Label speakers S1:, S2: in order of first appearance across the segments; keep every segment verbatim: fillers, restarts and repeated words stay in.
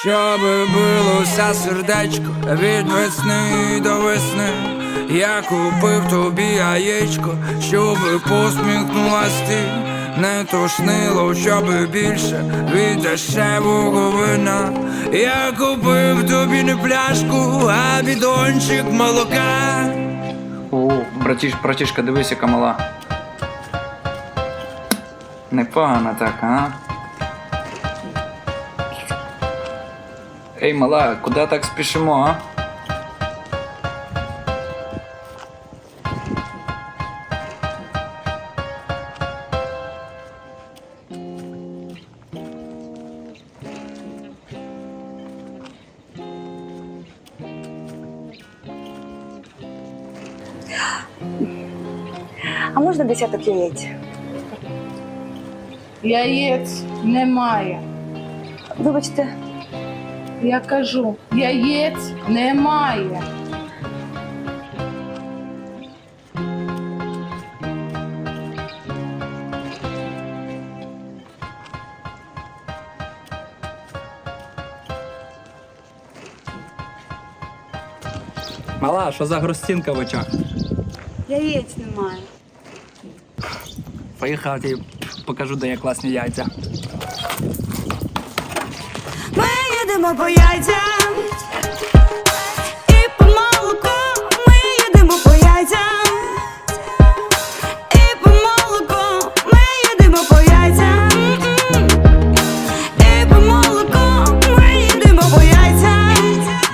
S1: Щоби билося сердечко від весни до весни. Я купив тобі яєчко, щоби посміхнулась ти. Не тошнило, щоби більше від дешевого вина. Я купив тобі не пляшку, а бідончик молока.
S2: О, братіш, братішка, дивись, яка мала. Непогано так, а? Ей, мала, куди так спішимо, а?
S3: А можна десяток яєць?
S4: Яєць немає.
S3: Вибачте,
S4: Я кажу, яєць немає.
S2: Мала, що за грустинка в очах?
S3: яєць немає.
S2: Поїхав, я покажу, де є класні яйця.
S3: Ми їдемо по яйцям і по молоку. Ми їдемо по яйцям і по молоку. Ми їдемо по яйцям і по молоку. Ми їдемо по яйцям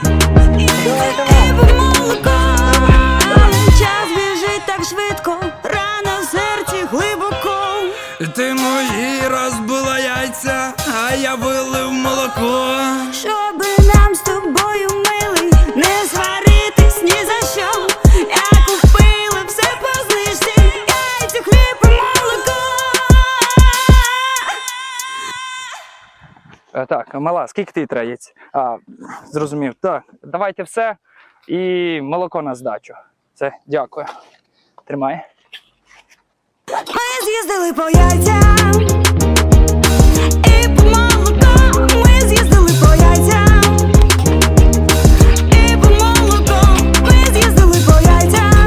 S3: і по молоку. Час біжить так швидко, рана в серці глибоко.
S1: Ти мої розбила яйця, а я вилив молоко.
S3: Щоби нам з тобою, милий, не сваритись ні за що. Я купила все по знижці, яйця, хліб і молоко.
S2: Е, так, мала, скільки ти треба яєць? А, зрозумів. Так, давайте все і молоко на здачу. Це, дякую. Тримай.
S3: Ми з'їздили по яйцям і по молоко. Ми з'їздили по яйцям і по молоко. Ми з'їздили по яйцям.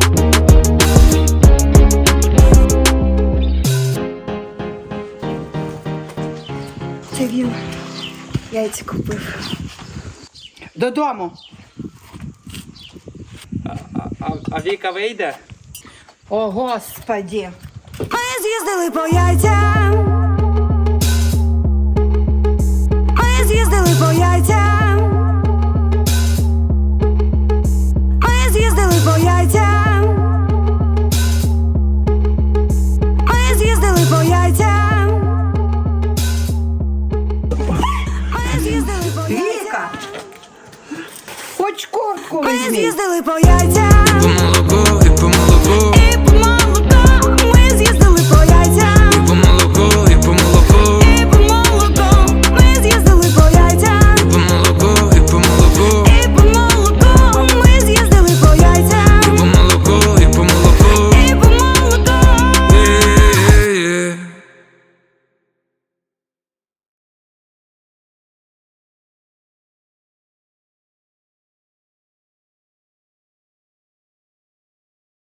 S3: Це він яйця купив.
S4: Додому.
S2: А, а Віка вийде?
S4: О, Господі.
S3: Ми з'їздили по яйцям. Ми з'їздили по яйцям. Ми з'їздили по яйцям. Ми з'їздили по яйцям. Ми з'їздили по яйцям.
S4: Віка, хоч куртку
S3: Ми
S4: візьми.
S3: з'їздили по яйцям.